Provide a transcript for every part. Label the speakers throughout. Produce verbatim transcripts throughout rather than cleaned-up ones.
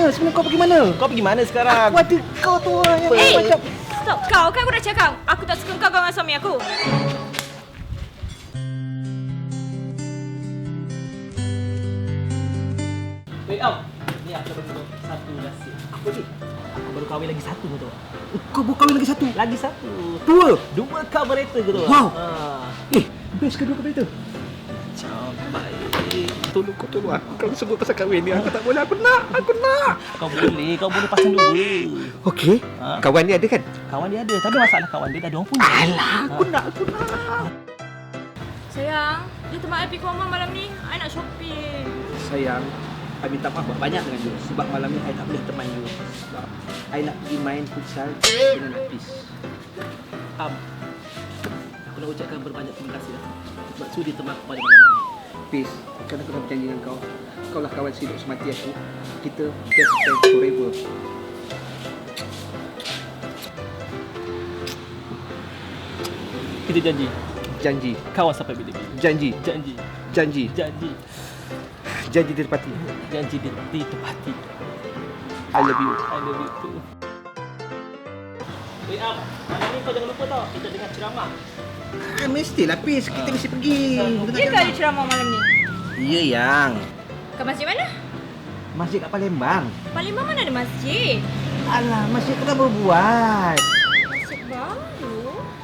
Speaker 1: mana? Sebenarnya kau pergi mana?
Speaker 2: Kau pergi mana sekarang?
Speaker 1: Aku ada kau tu orang yang
Speaker 3: Eh,
Speaker 1: macam...
Speaker 3: stop. Kau kan aku dah cakap. Aku tak suka kau dengan suami aku.
Speaker 2: Wait, Am. Ni aku baru satu nasi. Apa ni? Aku baru kahwin lagi satu tu.
Speaker 1: Kau baru kahwin lagi satu?
Speaker 2: Lagi satu.
Speaker 1: Dua?
Speaker 2: Dua carburetor ke tu?
Speaker 1: Wow.
Speaker 2: Ha.
Speaker 1: Eh, best ke dua kereta?
Speaker 2: Capai.
Speaker 1: Tolong kau tolong aku. Kalau sebut pasal kahwin ni, aku tak boleh. Aku nak. Aku nak.
Speaker 2: Kau boleh. Kau boleh pasang dua.
Speaker 1: Okey.
Speaker 2: Ha?
Speaker 1: Kawan ni ada kan?
Speaker 2: Kawan dia ada. Tapi masalah kawan dia dah ada orang punya.
Speaker 1: Alah, aku nak. Aku nak.
Speaker 3: Sayang, dia tempat I pergi ke rumah malam ni. I nak shopping.
Speaker 1: Sayang, I minta maaf banyak dengan you. Sebab malam ni I tak boleh teman you. Sebab I nak pergi main futsal dengan Hafiz.
Speaker 2: Am. Aku nak ucapkan berbanyak terima kasih lah. Sebab sudi teman aku pada malam ni.
Speaker 1: Hafiz, kan aku dah berjanji dengan kau. Kau lah kawan sehidup semati aku. Kita best friends forever.
Speaker 2: Kita janji.
Speaker 1: Janji.
Speaker 2: Kawan sampai bila-bila.
Speaker 1: Janji.
Speaker 2: Janji.
Speaker 1: Janji.
Speaker 2: Janji.
Speaker 1: Janji ditepati.
Speaker 2: Janji di, ditepati.
Speaker 1: I love you.
Speaker 2: I love you too. Wait, Am. Malam ni kau jangan lupa tau. Kita dengar ceramah.
Speaker 1: Ah, mestilah Hafiz. Kita mesti pergi.
Speaker 3: Dia ke ada ceramah malam ni?
Speaker 1: Ya, yang.
Speaker 3: Ke masjid mana?
Speaker 1: Masjid kat Palembang.
Speaker 3: Palembang mana ada masjid?
Speaker 1: Alah, masjid tu kan baru buat.
Speaker 3: Masjid baru?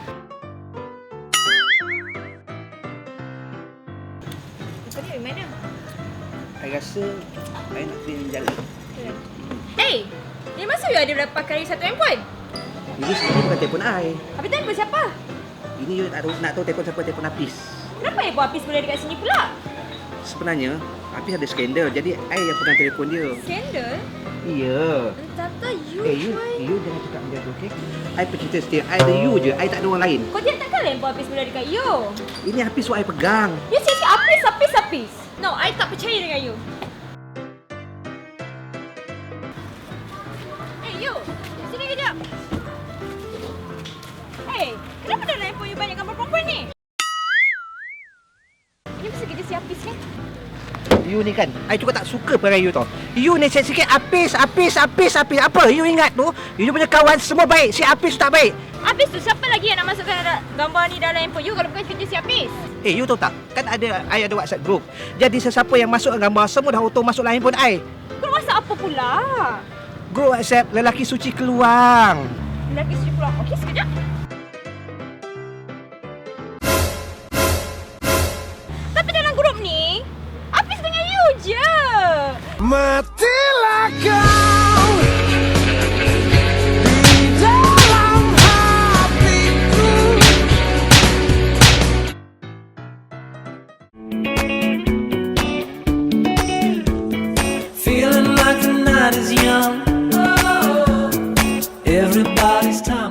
Speaker 3: Kau ni dari mana?
Speaker 1: I rasa I nak kena jalan.
Speaker 3: Eh, dari masa you ada berapa kali satu handphone?
Speaker 1: Ini sebenarnya bukan telefon I.
Speaker 3: Habis telefon siapa?
Speaker 1: Ini you tak tahu, nak tahu telefon siapa, telefon Hafiz.
Speaker 3: Kenapa handphone Hafiz boleh dekat sini pula?
Speaker 1: Sebenarnya, Hafiz ada skandal. Jadi, I yang pegang telefon dia.
Speaker 3: Skandal?
Speaker 1: Ya.
Speaker 3: Entah you
Speaker 1: Eh, you,
Speaker 3: try.
Speaker 1: you jangan cakap macam tu, okey? I pecinta setia. I ada you je. I tak ada orang lain.
Speaker 3: Kau jangan takkan handphone Hafiz boleh dekat you.
Speaker 1: Ini Hafiz what I pegang.
Speaker 3: You cakap Hafiz, Hafiz, Hafiz. No, I tak percaya dengan you. Eh, you. Sini kejap. Eh, kenapa dalam handphone you banyak gambar perempuan ni? Ini mesti kerja si Hafiz kan?
Speaker 1: You ni kan, I juga tak suka perangai you tau. You ni sikit-sikit Hafiz, Hafiz, Hafiz, Hafiz. Apa? You ingat tu? You punya kawan semua baik. Si Hafiz tak baik.
Speaker 3: Hafiz tu siapa lagi yang nak masukkan gambar ni dalam handphone you kalau bukan kerja si Hafiz?
Speaker 1: Eh, you tahu tak? Kan ada, I ada WhatsApp group. Jadi sesiapa yang masuk gambar, semua dah auto masuk dalam handphone I.
Speaker 3: Kau WhatsApp apa pula?
Speaker 1: Group WhatsApp lelaki suci keluang.
Speaker 3: Lelaki suci keluar. Okey, sekejap. Tapi dalam grup ni, Hafiz dengan you je.
Speaker 4: Matilah kau di dalam hatiku. Feeling like the night is young. Everybody's time.